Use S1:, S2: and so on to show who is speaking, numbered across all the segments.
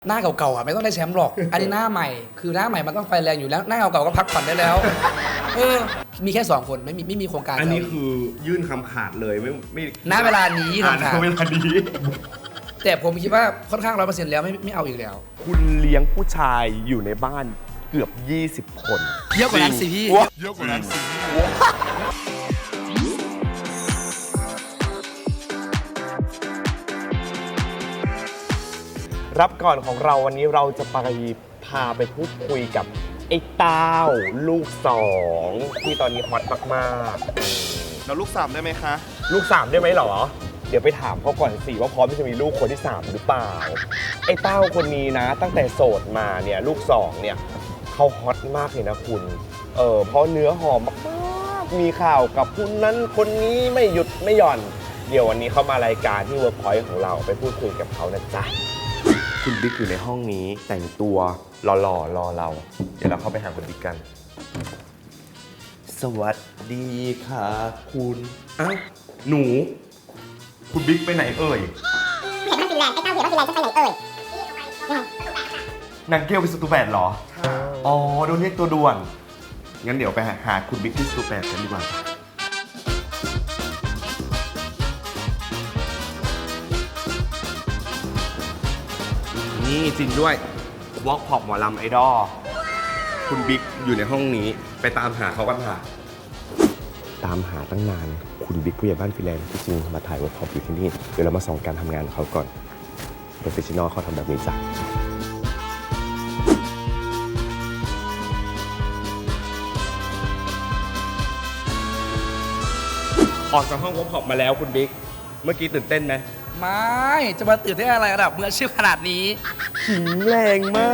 S1: หน้าเก่าๆอ่ะไม่ต้องได้แชมป์หรอก อันนี้หน้าใหม่คือหน้าใหม่มันต้องไฟแรงอยู่แล้วหน้าเก่าๆก็พักผ่อนได้แล้วมีแค่2 คนไม่มีโครงการ
S2: อันนี้คือยื่นคำขาดเลยไม่
S1: ณเวลานี้
S2: ณ
S1: ครับ
S2: เวลานี้
S1: แต่ผมคิดว่าค่อนข้าง100%แล้วไม่เอาอีกแล้ว
S2: คุณเลี้ยงผู้ชายอยู่ในบ้านเกือบ20 คน
S1: เยอะกว่านั้นสิพี่
S2: เยอะกว่านั้นสิรับก่อนของเราวันนี้เราจะพาไปพูดคุยกับไอ้เต้าลูก2ที่ตอนนี้ฮอตมากๆ
S3: เราลูก3ได้ไหมคะ
S2: ลูก3ได้ไหมหรอ เดี๋ยวไปถามเขาก่อนสิว่าพร้อมที่จะมีลูกคนที่3หรือเปล่า ไอ้เต้าคนนี้นะ ตั้งแต่โสดมาเนี่ยลูก2เนี่ยเขาฮอตมากเลยนะคุณเพราะเนื้อหอมมากๆมีข่าวกับคนนั้นคนนี้ไม่หยุดไม่หย่อน เดี๋ยววันนี้เขามารายการที่ Workpoint ของเราไปพูดคุยกับเขานะจ๊ะคุณบิ๊กอยู่ในห้องนี้แต่งตัวหล่อๆรอเราเดี๋ยวเราเข้าไปหาคุณบิ๊กกัน สวัสดีค่ะคุณอ้าวหนู คุณบิ๊กไปไหนเอ่ย
S4: เห็นมันฟินแลนด์ไอ้เต้าเห็นว่าฟินแลนด์จะไปไหนเอ่ย
S2: นางเกลเป็นสตูแบดเหรอ อ๋อโดนเรียกตัวด่วน งั้นเดี๋ยวไปหาคุณบิ๊กที่สตูแบดกันดีกว่า นี่จริงด้วยวอล์กพอปหมอลำไอดอลคุณบิ๊กอยู่ในห้องนี้ไปตามหาเขากันค่ะ ตามหาตั้งนาน คุณบิ๊กผู้ใหญ่บ้านฟินแลนด์ที่จริงมาถ่ายวอล์กพอปอยู่ที่นี่ เดี๋ยวเรามาส่องการทำงานของเขาก่อนโปรเฟชชั่นอลเขาทำแบบนี้จ้ะ ออกจากห้องวอล์กพอปมาแล้วคุณบิ๊ก เมื่อกี้ตื่นเต้นไหม
S1: ไม่จะมาตื่นได้นอะไรระดับมืออาชีพขนาดนี้
S2: ขิงแรงมาก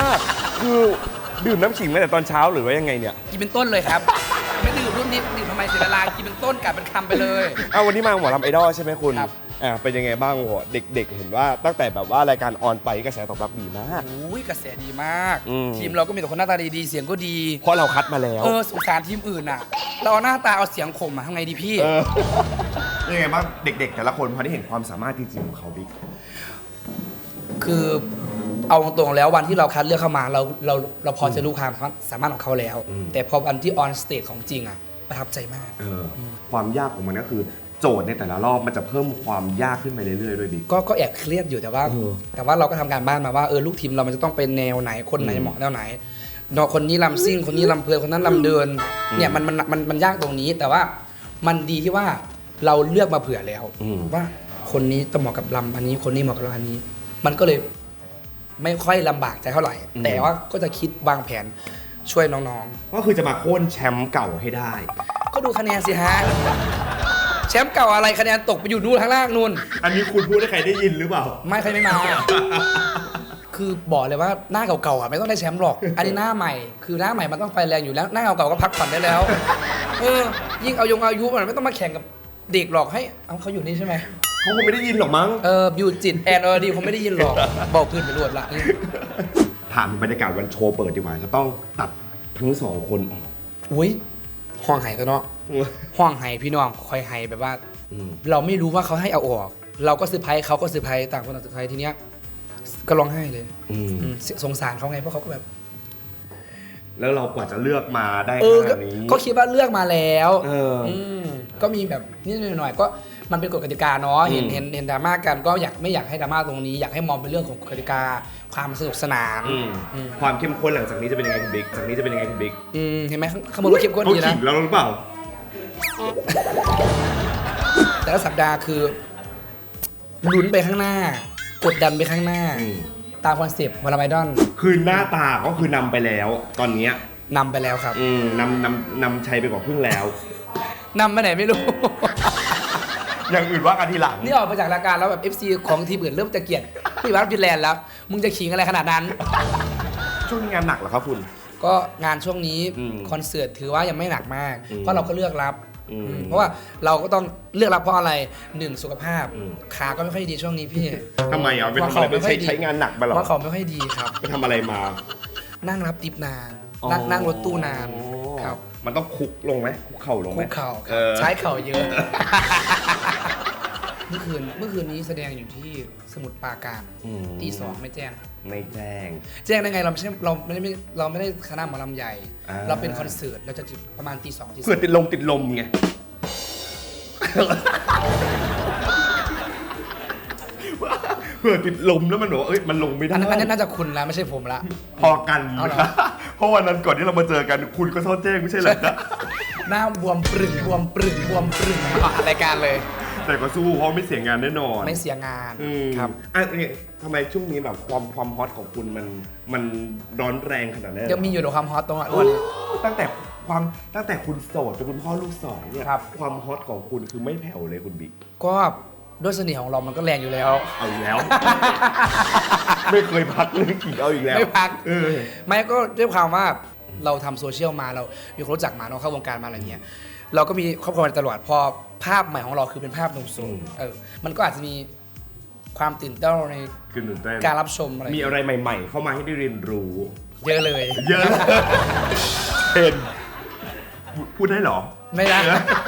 S2: คือดื่มน้ำขิงมาแต่ตอนเช้าหรือว่ายังไงเนี่ย
S1: กินเป็นต้นเลยครับ ไม่ดื่มรุ่นนี้ดื่มทำไมเสียเวลากินเป็นต้นกัดเป็นคำไปเลย
S2: เอาวันนี้มาหมอลำไอดอลใช่ไหมคุณ
S1: ครับ
S2: เป็นยังไงบ้างโหเด็กๆ เห็นว่าตั้งแต่แบบว่ารายการออนไปกระแสตอบรับดีมาก
S1: อุ้ยกระแสดีมาก
S2: อืม
S1: ทีมเราก็มีแต่คนหน้าตาดีๆเสียงก็ดี
S2: เพราะเราคัดมาแล้ว
S1: สงสารทีมอื่นอ่ะ เราเอาหน้าตาเอาเสียงข่มอ่ะทำไงดีพี่
S2: ยังไงบ้างเด็กๆ แต่ละคนพอได้เห็นความสามารถจริงๆของเขาบิ๊ก
S1: คือเอาตรงๆแล้ววันที่เราคัดเลือกเข้ามาเราพอจะรู้ความสามารถของเขาแล้ว แต่พอวันที่ออนสเตจของจริงอ่ะประทับใจมาก
S2: ความยากของมันก็คือโจทย์ในแต่ละรอบมันจะเพิ่มความยากขึ้นไปเรื่อยๆด้วยบิ๊ก
S1: ก็แอบเครียดอยู่แต่ว่าเราก็ทำการบ้านมาว่าลูกทีมเรามันจะต้องเป็นแนวไหนคนไหนเหมาะแนวไหนเนาะคนนี้ลำซิ่งคนนี้ลำเพลินคนนั้นลำเดินเนี่ยมันยากตรงนี้แต่ว่ามันดีที่ว่าเราเลือกมาเผื่อแล้วว่าคนนี้ต้องเหมาะกับลำอันนี้คนนี้เหมาะกับลำอันนี้ มันก็เลยไม่ค่อยลำบากใจเท่าไหร่ แต่ว่าก็จะคิดวางแผนช่วยน้อง
S2: ก็คือจะมาโค่นแชมป์เก่าให้ได้
S1: ๆก็ดูคะแนนสิฮะแชมป์เก่าอะไรคะแนนตกไปอยู่นู่นข้างล่างนู่น
S2: อันนี้คุณพูดให้ใครได้ยินหรือเปล่า
S1: ไม่ใครไม่มา คือบอกเลยว่าหน้าเก่าๆอ่ะไม่ต้องได้แชมป์หรอก อันนี้หน้าใหม่ คือหน้าใหม่มันต้องไฟแรงอยู่แล้วหน้าเก่าๆก็พักผ่อนได้แล้ว ยิ่งอายุมันไม่ต้องมาแข่งกับเด็กหรอกให้เอาเขาอยู่นี่ใช่ไหม
S2: เขาคงไม่ได้ยินหรอกมั้ง
S1: อยู่จิตแอนดีผมไม่ได้ยินหรอกบอกพื้นไปรวดละ
S2: ถามบรรยากาศวันโชว์เปิดดีกว่าจะต้องตัดทั้งสองคนออก
S1: อุ้ยห้องไห้กันเนาะห้องไห้พี่น้องคอยไห้แบบว่า เราไม่รู้ว่าเขาให้เอาออก เราก็เซอร์ไพรส์เขาก็เซอร์ไพรส์ต่างคนต่างเซอร์ไพรส์ทีเนี้ยก็ร้องไห้เลยสงสารเขาไงเพราะเขาก็แบบ
S2: แล้วเรากว่าจะเลือกมาได้ขนาดนี้
S1: ก็คิดว่าเลือกมาแล้ว
S2: ม
S1: ก็มีแบบนิดหน่อยๆก็มันเป็นกฎกติกาเนาะเห็นดราม่ากันก็ไม่อยากให้ดราม่าตรงนี้อยากให้มองเป็นเรื่องของกฎกติกาความสนุกสนาน
S2: ความเข้มข้นหลังจากนี้จะเป็นยังไงคุณบิ๊กจากนี้จะเป็นยังไงคุณบิ๊ก
S1: เห็นไหมข้างบนก็เข้มข้น
S2: เขา
S1: ดี
S2: ขิ
S1: นะ
S2: งแล้วหรือเปล่า
S1: แต่ละสัปดาห์คือลุ้นไปข้างหน้ากดดันไปข้างหน้า ตามคอนเซปต์วอลไมดอน
S2: คือหน้าตาก็คือนำไปแล้ว ตอนเนี้ย
S1: นำไปแล้วครับ
S2: นำชัยไปกว่าครึ่งแล้ว
S1: นำไปไหนไม่รู้
S2: อย่างอื่นว่ากันทีหลัง
S1: นี่ออกมาจากรายการแล้วแบบ FC ของทีมอื่นเริ่มจะเกลียดพี่วัดฟินแลนด์แล้ว มึงจะขิงอะไรขนาดนั้น
S2: ช่วงนี้งานหนักเหรอครับคุณ
S1: ก็งานช่วงนี้ คอนเสิร์ตถือว่ายังไม่หนักมาก เพราะเราก็เลือกรับเพราะว่าเราก็ต้องเลือกรับเพราะอะไร1สุขภาพขาก็ไม่ค่อยดีช่วงนี้พี่
S2: ทำไมอ่ะไปทำอะไรไปใช้งานหนักมาหรอ
S1: เพราะเขาไม่ค่อยดีครับ
S2: ไปทำอะไรมา
S1: นั่งรับติปนาน นั่งรถตู้นานครับ
S2: มันต้องคุกลงไหมคุกเข่าลงไหม
S1: คุกเข่าครับใช้เข่าเยอะเมื่อคืนนี้แสดงอยู่ที่สมุทรปราการตี 2ไม่แจ้ง
S2: ไม่แจ้ง
S1: แจ้งได้ไงเราไม่ได้คณะหมอลำใหญ่ เราเป็นคอนเสิร์ตเราจะจุดประมาณตี 2ตี
S2: เพื่อติดลมไง เพื่อติดลมแล้วมันบอกว่าเอ้ยมันลงไม่ได้
S1: อันนั้นน่าจะคุณละไม่ใช่ผมละ
S2: พอกัน
S1: เอาเหรอ
S2: นะเพราะวันนั้นก่อนที่เรามาเจอกันคุณก็โทษแจ้งไม่ใช่เหรอ
S1: หน้าบวมปรึงออกรายการเลย
S2: แต่ก็สู้เพราะไม่เสียงานแน่นอน
S1: ไม่เสียงาน
S2: ครับอ่ะเนี่ยทำไมช่วงนี้แบบความฮอตของคุณมันร้อนแรงขนาดนั้น
S1: ยังมีอยู่ในความฮอตตรง
S2: โอ้
S1: นี้
S2: ตั้งแต่คุณโสดเป็นคุณพ่อลูกสองเนี่ย
S1: ครับ
S2: ความฮอตของคุณคือไม่แผ่วเลยคุณบิ๊ก
S1: ก็ด้วยเสน่ห์ของเรามันก็แรงอยู่แล้ว
S2: เอาอีกแล้ว ไม่เคยพักเรื่องขี่เอาอีกแล้ว
S1: ไม่พัก
S2: เออ
S1: ไม่ก็ด้วยความว่าเราทำโซเชียลมาเรามีคนรู้จักมาเราเข้าวงการมาอะไรเงี้ยเราก็มีครอบครัวมาตลอดพอภาพใหม่ของเราคือเป็นภาพหนุ่มโสดมันก็อาจจะมีความตื่นเต้นใน
S2: คือตื่นเต้น
S1: การรับชมอะไร
S2: มีอะไรใหม่ ๆ เข้ามาให้ได้เรียนรู้
S1: เยอะเลย
S2: เยอะเป็นพูดได้เหรอ
S1: ไม่ได้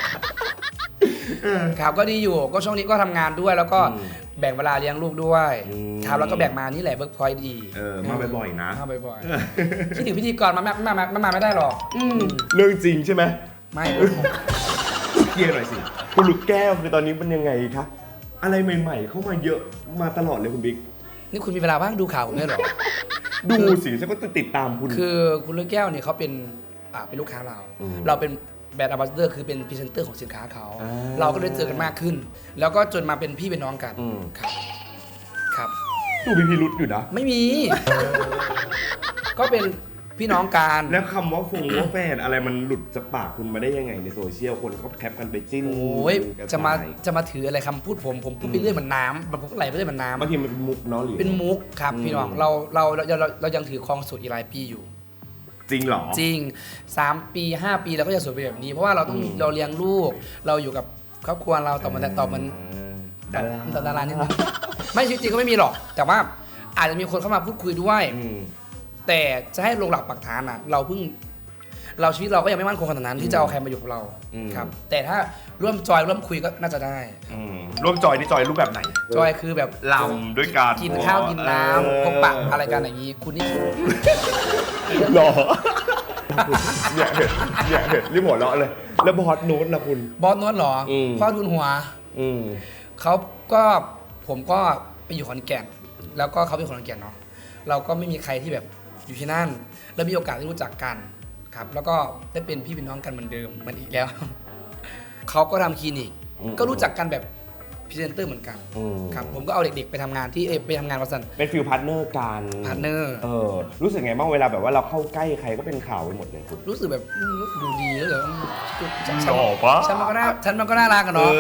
S1: ครับก็ดีอยู่ก็ช่วงนี้ก็ทำงานด้วย แล้วก็แบ่งเวลาเลี้ยงลูกด้วยครับแล้วก็แบ่งมานี่แหละเวิร์กพอยต์ดี
S2: มาบ่อยๆนะ
S1: มาบ่อยๆคิดถึงพิธีกรมาไม่ได้หรอก
S2: เรื่องจริงใช่ไหม
S1: ไม่
S2: เคลียร์หน่อยสิคุณลูกแก้วคือตอนนี้มันยังไงคะอะไรใหม่ ๆ เข้ามาเยอะมาตลอดเลยคุณบิ๊ก
S1: นี่คุณมีเวลาว่างดูข่าวผมด้วยเหรอ
S2: ดูสิฉันก็ติดตามคุณ
S1: คือคุณลูกแก้วเนี่ยเขาเป็นลูกค้าเรา เราเป็นแบรนด์ Ambassador คือเป็นพรีเซนเตอร์ของสินค้าเขา เราก็ได้เจอกันมากขึ้น แล้วก็จนมาเป็นพี่เป็นน้องกันครับ
S2: ดูมีพิรุษอยู่นะ
S1: ไม่มี ก็เป็นพี่น้องกัน
S2: แล้วคำว่าว่าแฟนอะไรมันหลุดจากปากคุณมาได้ยังไงในโซเชียลคนเขาแคปกันไปจิ้น
S1: โอ้ย
S2: กัน
S1: จะมา
S2: ไป
S1: ถืออะไรคำพูดผมพูดไปเรื่อยเหมือนน้ำผมก็ไหลไปเรื่อยเหมือนน้ำ
S2: บางทีมันเป็นมุกเนาะหรือ
S1: เป็นมุกครับพี่น้องเรายังถือครองสูตรอีกหลายปีอยู่
S2: จริงเหรอ
S1: จริง3 ปี 5 ปีเราก็จะสวยไปแบบนี้เพราะว่าเราต้องเราเลี้ยงลูก เราอยู่กับครอบครัวเราต่อมันดารานิดนึงไม่ชีวิตจริงก็ไม่มีหรอก แต่ว่าอาจจะมีคนเข้ามาพูดคุยด้วย แต่จะให้ลงหลักปักฐานอ่ะเราชีวิตเราก็ยังไม่มั่นคงขนาดนั้นที่จะเอาใครมาอยู่กับเราครับแต่ถ้าร่วมจอยร่วมคุยก็น่าจะได้
S2: ร่วมจอยนี่จอยรูปแบบไหน
S1: จอยคือแบบ
S2: ลำด้วยกัน
S1: กินข้าวกินน้ำพบปะอะไรกันอย่างนี้คุณนี่
S2: หรอเนี่ยเห็นรีบหัวเราะเลย แล้วบอสโน้ตนะคุณ
S1: บอสโน้ตเหรอพ่อทุนหัวเขาก็ผมก็ไปอยู่ขอนแก่นแล้วก็เขาเป็นคนขอนแก่นเนาะเราก็ไม่มีใครที่แบบอยู่ที่นั่นแล้วมีโอกาสได้รู้จักกันครับแล้วก็ได้เป็นพี่เป็นน้องกันเหมือนเดิมเหมือนอีกแล้ว เขาก็ทำคลินิกก็รู้จักกันแบบพรีเซนเตอร์เหมือนกันครับผมก็เอาเด็กๆไปทำงานที่ไปทำงานวัสัน
S2: เป็นฟิลพาร์ทเนอร์กัน
S1: พาร์ทเนอร์
S2: รู้สึกไงบ้างเวลาแบบว่าเราเข้าใกล้ใครก็เป็นข่าวไปหมดเลยคุณ
S1: รู้สึกแบบดูดีแล้วเหรอ
S2: หล่อปะ
S1: ฉันมันก็น่ารักกันเนาะ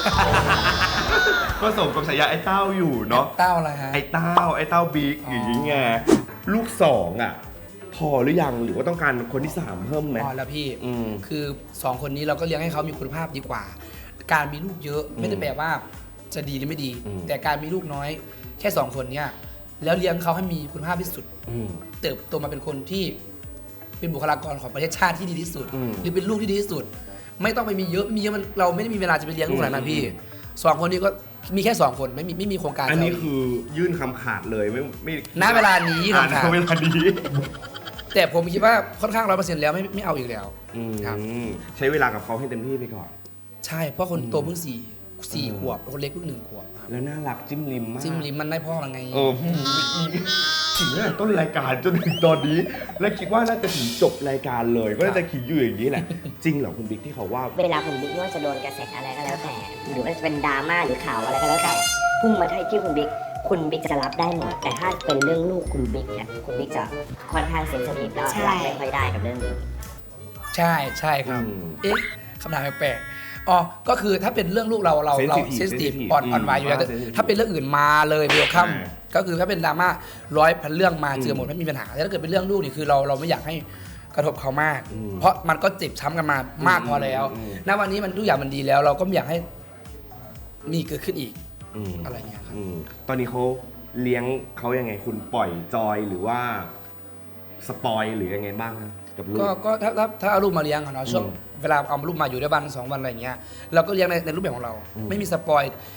S2: ก็สมกับฉายาไอ้เต้าอยู่เนาะ
S1: เต้าอะไรฮะ
S2: ไอ้เต้าบิ๊กอย่างงี้ไงลูกสองอ่ะพอหรือยังหรือว่าต้องการคนที่3เพิ่มไหม
S1: พอแล้วพี่คือ2คนนี้เราก็เลี้ยงให้เขามีคุณภาพดีกว่า การมีลูกเยอะไม่ได้แปลว่าจะดีหรือไม่ดี แต่การมีลูกน้อยแค่2คนเนี่ยแล้วเลี้ยงเขาให้มีคุณภาพที่สุดเติบโตมาเป็นคนที่เป็นบุคลากรของประเทศชาติที่ดีที่สุดหรือเป็นลูกที่ดีที่สุด ไม่ต้องไปมีเยอะมันเราไม่ได้มีเวลาจะไปเลี้ยงลูกขนาดนั้นพี่2คนนี้ก็มีแค่2คนไม่มีโครงการ
S2: อันนี้คือยื่นคำขาดเลยไม่
S1: ณเวลานี้
S2: อ่าน
S1: คำขาด
S2: เวลานี้
S1: แต่ผมคิดว่าค่อนข้าง100%แล้วไม่เอาอีกแล้วครับ
S2: ใช้เวลากับเขาให้เต็มที่ไปก่อน
S1: ใช่เพราะคนโตเพิ่ง4 ขวบคนเล็กเพิ่ง1 ขวบครับ
S2: แล้วน่ารักจิ้มลิมมาก
S1: จิ้มลิ้มมันได้พ่อมันไง
S2: ถึงตั้งแต่ต้นรายการจนถึงตอนนี้ และคิดว่าน่าจะถึงจบรายการเลย ก็น่าจะขิงอยู่อย่างนี้แหละ จริงเหรอคุณบิ๊กที่เขาว่า
S4: เวลาคุณบิ๊กไม่ว่าจะโดนกระแสอะไรก็แล้วแต่ หรือว่าจะเป็นดราม่าหรือข่าวอะไรก็แล้วแต่พุ่งมาที่คุณบิ๊กจะรับได้หมดแต่ถ้าเป็นเรื่องลูกคุณบิ๊กเนี่ยคุณบิ๊กจะค่อนข้างเซนซิทีฟแล้วรับไม่ค่อยได้กับเรื่องนี้
S1: ใช่ครับเอ๊ะคำถามแปลกๆอ๋อก็คือถ้าเป็นเรื่องลูกเราเซนซิทีฟอ่อนไหวอยู่แล้วถ้าเป็นเรื่องอื่นมาเลยเวลคัมก็คือถ้าเป็นดราม่า100,000เรื่องมาเจอหมดไม่มีปัญหาแต่ถ้าเกิดเป็นเรื่องลูกนี่คือเราไม่อยากให้กระทบเขามาก เพราะมันก็เจ็บช้ำกันมามากพอแล้วณวันนี้มันทุกอย่างมันดีแล้ว เราก็ไม่อยากให้มีเกิดขึ้นอีกอะไรเงี้ยครับ
S2: ตอนนี้เขาเลี้ยงเขายังไงคุณปล่อยจอยหรือว่าสปอยหรือยังไงบ้างฮะกับลูก
S1: ก็ถ้าเอาลูกมาเลี้ยงอะเนาะช่วงเวลาเอาลูกมาอยู่ได้วัน2 วันอะไรเงี้ยเราก็เลี้ยงในรูปแบบของเรา ไม่มีสปอย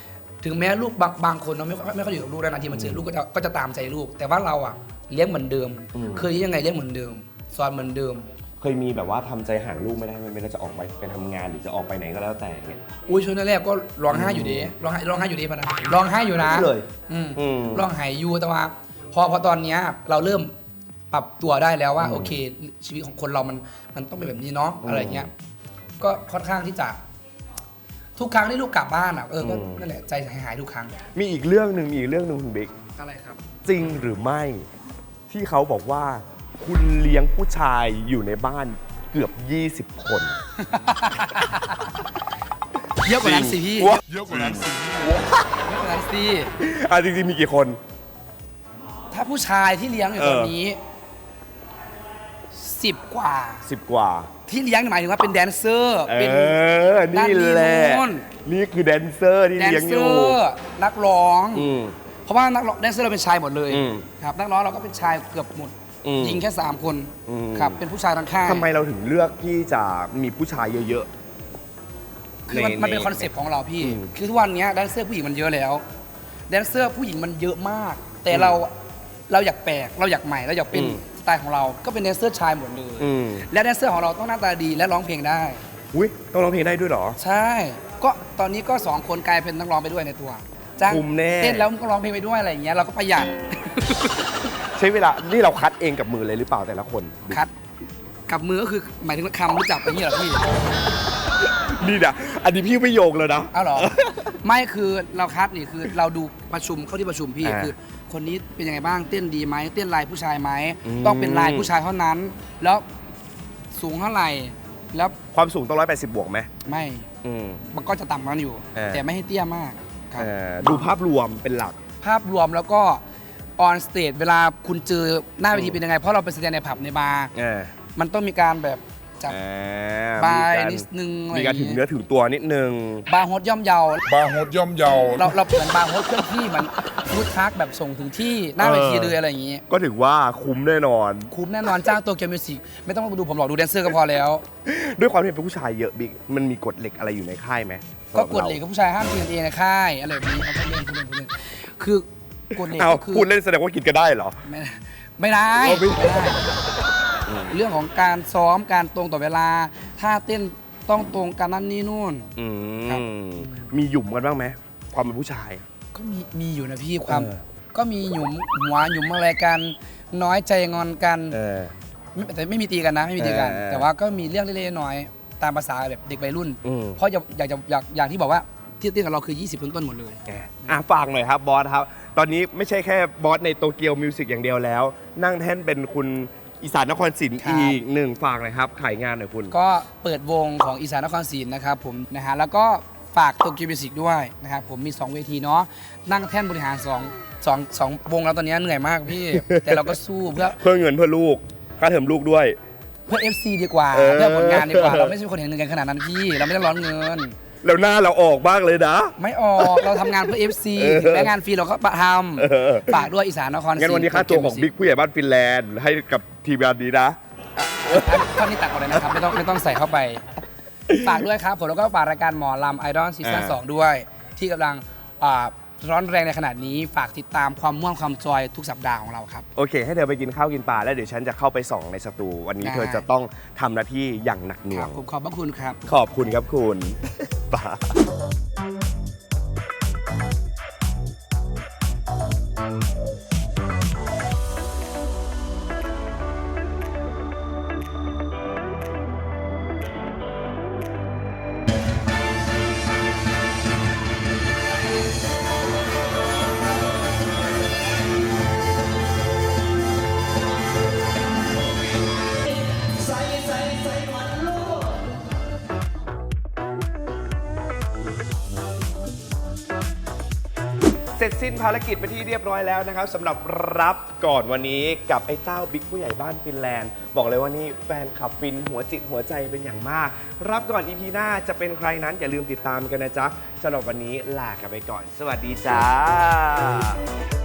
S1: ถึงแม้ลูกบางคนเราไม่ค่อยอยู่กับลูกแล้วนาทีมันเจอลูกก็จะตามใจลูก แต่ว่าเราอ่ะเลี้ยงเหมือนเดิม เคยยังไงเลี้ยงเหมือนเดิมสอนเหมือนเดิม
S2: เคยมีแบบว่าทำใจห่างลูกไม่ได้ไม่ว่าจะออกไปทำงานหรือจะออกไปไหนก็แล้วแต่เนี่ย
S1: อุ้ยช่วงแรกๆก็ร้องไห้อยู่ดีร้องไห้อยู่ดีพะนะร้องไห้อยู่นะ
S2: เลย
S1: ร้องไห้อยู่แต่ว่าพอตอนเนี้ยเราเริ่มปรับตัวได้แล้วว่าโอเค ชีวิตของคนเรามันต้องเป็นแบบนี้เนาะอะไรเงี้ยก็ค่อนข้างที่จะทุกครั้งที่ลูกกลับบ้านอ่ะก็นั่นแหละใจหายทุกครั้ง
S2: มีอีกเรื่องหนึ่งคุณบิ๊ก
S1: อะไรครับ
S2: จริงหรือไม่ที่เขาบอกว่าคุณเลี้ยงผู้ชายอยู่ในบ้านเกือบ 20 คน
S1: เยอะกว่านั้นสิพี่
S2: เยอะกว่านั้นสิ
S1: เยอะกว่านั้นสิ
S2: จริงๆมีกี่คน
S1: ถ้าผู้ชายที่เลี้ยงอยู่ตอนนี้10 กว่า
S2: 10 กว่า
S1: ที่เลี้ยงหมายถึงว่าเป็นแดนเซอร์เป็น
S2: นี่แหละ
S1: นู่น
S2: นี่คือแดนเซอร์ที่
S1: แดน
S2: เลี้ยงอ
S1: เซอยู่ ร์นักร้อง
S2: อืม
S1: เพราะว่านักร้องแดนเซอร์เราเป็นชายหมดเลย
S2: อืม
S1: ครับนักร้องเราก็เป็นชายเกือบหมด
S2: อืม
S1: หญิงแค่3 คน
S2: อืม
S1: ครับเป็นผู้ชายทั้งค่าย
S2: ทำไมเราถึงเลือกที่จะมีผู้ชายเยอะ
S1: คือมันเป็นคอนเซปต์ของเราพี่
S2: อืม
S1: คือทุกวันนี้แดนเซอร์ผู้หญิงมันเยอะแล้วแดนเซอร์ผู้หญิงมันเยอะมาก แต่เราอยากแปลกเราอยากใหม่เราอยากเป็นสไตล์ของเราก็เป็นแดนเซอร์ชายหมดเลย
S2: อืม
S1: และแดนเซอร์ของเราต้องหน้าตาดีและร้องเพลงได้
S2: อุ้ยต้องร้องเพลงได้ด้วยเหรอ
S1: ใช่ ก็ตอนนี้ก็2 คนกลายเป็นนักร้องไปด้วยในตัวจ้าง
S2: คุมแน่
S1: เต้นแล้วมันก็ร้องเพลงไปด้วยอะไรอย่างเงี้ยเราก็ประหยัด
S2: ใช้เวลา นี่เราคัดเองกับมือเลยหรือเปล่าแต่ละคน
S1: คัดกับมือก็คือหมายถึงคำรู้จักไปอย่างเงี้ยเหรอพี่
S2: นี่นะอันนี้พี่ไม่โยงเลยนะ
S1: อ้าวเหรอ ไม่คือเราคัดนี่คือเราดูประชุมเข้าที่ประชุมพี่
S2: อ่า
S1: คือ คนนี้เป็นยังไงบ้างเต้นดีไหมเต้นลายผู้ชายไหม
S2: อืม
S1: ต้องเป็นลายผู้ชายเท่านั้น แล้วสูงเท่าไหร่แล้ว
S2: ความสูงต้อง180 บวกไหม
S1: ไม่
S2: อืม
S1: มันก็จะต่ำกว่านั้นอยู่ แต่ไม่ให้เตี้ยมากครับ
S2: ดูภาพรวมเป็นหลัก
S1: ภาพรวมแล้วก็ออนสเตจเวลาคุณเจอหน้าเวทีเป็นยังไงเพราะเราไปแสดงในผับในบาร์มันต้องมีการแบบจับบายนิดนึงอะไร
S2: มี
S1: อย่
S2: การ
S1: ง
S2: ถึง
S1: งี้
S2: เนื้อถึงตัวนิดนึง
S1: บาร์โฮสย่อมเยา
S3: บาร์โฮสย่อมเยา
S1: เราเหมือนบาร์โฮสเคลื่อนที่เหมันฟู้ดทรัคแบบส่งถึงที่หน้าเวทีเลยอะไรอย่างงี้
S2: ก็ถือว่าคุ้มแน่นอน
S1: คุ้มแน่นอนจ้างตัวเกียวมิวสิกไม่ต้องมาดูผมหรอกดูแดนเซอร์ก็พอแล้ว
S2: ด้วยความที่เป็นผู้ชายเยอะบิ๊กมันมีกฎเหล็กอะไรอยู่ในค่ายไหม
S1: ก็กฎเหล็กกับผู้ชายห้ามกินกันเองในค่ายอะไรแบบนี้เอาพูดเล่นคือกฎเหล็ก
S2: เอา
S1: ก็คือ
S2: พูดเล่นแสดงว่ากินกันได้เหรอ
S1: ไม่ได้
S2: เอาไม่
S1: ไม่ได้ เรื่องของการซ้อมการตรงต่อเวลาท่าเต้นต้องตรงกันนั่นนี่นู่น ครับ
S2: มีหยุ่มกันบ้างไหมความเป็นผู้ชาย
S1: ก็มีอยู่นะพี่ความ
S2: เออ
S1: ก็มีหยุมหัวหยุมอะไรกันน้อยใจงอนกัน
S2: เออ
S1: แต่ไม่มีตีกันนะไม่มีตีกัน
S2: เออ
S1: แต่ว่าก็มีเรื่องเล็กๆน้อยๆตามภาษาแบบเด็กวัยรุ่น
S2: อืม
S1: เพราะอย่างที่บอกว่าที่เต้นกับเราคือ 20 ต้นๆหมดเลย
S2: ฝากหน่อยครับบอสครับ ตอนนี้ไม่ใช่แค่บอสในโตเกียวมิวสิกอย่างเดียวแล้ว นั่งแท่นเป็นคุณอีสานนครศรี
S1: ครับ
S2: อีกหนึ่งฝากหน่อยครับขายงานหน่อยคุณ
S1: ก็เปิดวงของอีสานนครศรีนะครับผมนะฮะแล้วก็ฝากโตเกียวมิวสิกด้วยนะครับผมมี 2 เวทีเนาะนั่งแท่นบริหาร2วงแล้วตอนนี้เหนื่อยมากพี่ แต่เราก็สู้เพื่อ
S2: เงินเพื่อลูกค่าเทอมลูกด้วย
S1: FC ดีกว่า
S2: เออ
S1: เพื่อผลงานดีกว่าเราไม่ใช่คนเห็นเงินกันขนาดนั้นพี่เราไม่ได้ร้อนเงิน
S2: แล้วหน้าเราออกบ้างเลยนะ
S1: ไม่ออกเราทำงานเพื่อ FC ถึงแม้งานฟรีเราก็ทำฝากด้วยอีสานนครศรี
S2: งั้นวันนี้ค่าตัวของบิ๊กผู้ใหญ่บ้านฟินแลนด์ให้กับทีมงานนี้นะ
S1: ท่อนนี้ตัดออกเลยนะครับไม่ต้องใส่เข้าไป ฝากด้วยครับผมแล้วก็ฝากรายการหมอลำไอดอลซีซั่น
S2: อ่า
S1: 2ด้วย ที่กำลังร้อนแรงในขนาดนี้ฝากติดตามความม่วนความจอยทุกสัปดาห์ของเราครับ
S2: โอเค ให้เธอไปกินข้าวกินปลาแล้วเดี๋ยวฉันจะเข้าไปส่องในสตู วันนี้
S1: ได้
S2: เธอจะต้องทำหน้าที่อย่างหนักหน่
S1: คว รั
S2: ง
S1: บผมขอบพระคุณครับ
S2: ขอบคุณครับคุณ ปา เสร็จสิ้นภารกิจไปที่เรียบร้อยแล้วนะครับสำหรับรับก่อนวันนี้กับไอ้เต้าบิ๊กผู้ใหญ่บ้านฟินแลนด์ บอกเลยว่านี่แฟนคลับฟินหัวจิตหัวใจเป็นอย่างมาก รับก่อน EP หน้าจะเป็นใครนั้นอย่าลืมติดตามกันนะจ๊ะสำหรับวันนี้ลากันไปก่อน สวัสดีจ้า